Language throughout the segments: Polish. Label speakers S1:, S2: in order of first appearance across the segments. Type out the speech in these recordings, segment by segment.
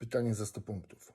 S1: Pytanie za 100 punktów.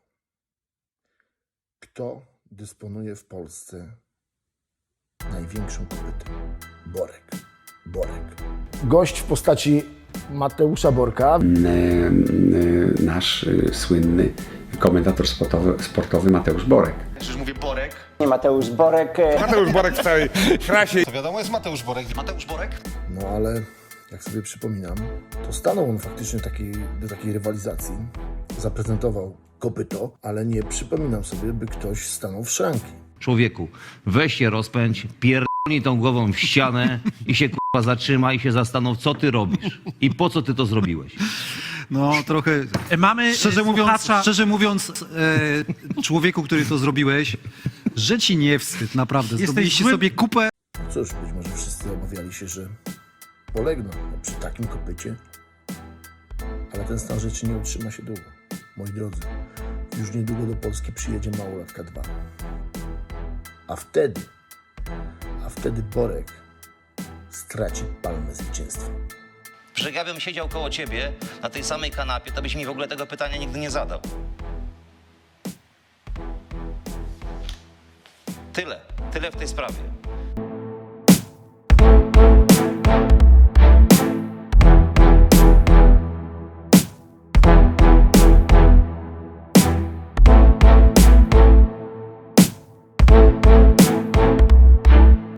S1: Kto dysponuje w Polsce największą kopytą? Borek. Gość w postaci Mateusza Borka.
S2: Nasz słynny komentator sportowy Mateusz Borek.
S3: Przecież mówię Borek.
S4: Mateusz Borek.
S5: Mateusz Borek w całej krasie.
S3: To wiadomo, jest Mateusz Borek. Mateusz Borek?
S1: No ale jak sobie przypominam, to stanął on faktycznie do takiej rywalizacji. Zaprezentował kopyto, ale nie przypominam sobie, by ktoś stanął w szranki.
S6: Człowieku, weź się rozpędź, pierdolnij tą głową w ścianę i się kurwa zatrzymaj i się zastanów, co ty robisz i po co ty to zrobiłeś.
S7: No trochę.
S8: Mamy
S7: Szczerze mówiąc, człowieku, który to zrobiłeś, że ci nie wstyd, naprawdę. Zrobiliście
S8: złym-
S7: sobie kupę.
S1: Cóż, być może wszyscy obawiali się, że polegną przy takim kopycie, ale ten stan rzeczy nie utrzyma się długo. Moi drodzy, już niedługo do Polski przyjedzie Małolatka 2. A wtedy Borek straci palmę zwycięstwa.
S3: Że ja bym siedział koło ciebie na tej samej kanapie, to byś mi w ogóle tego pytania nigdy nie zadał. Tyle w tej sprawie.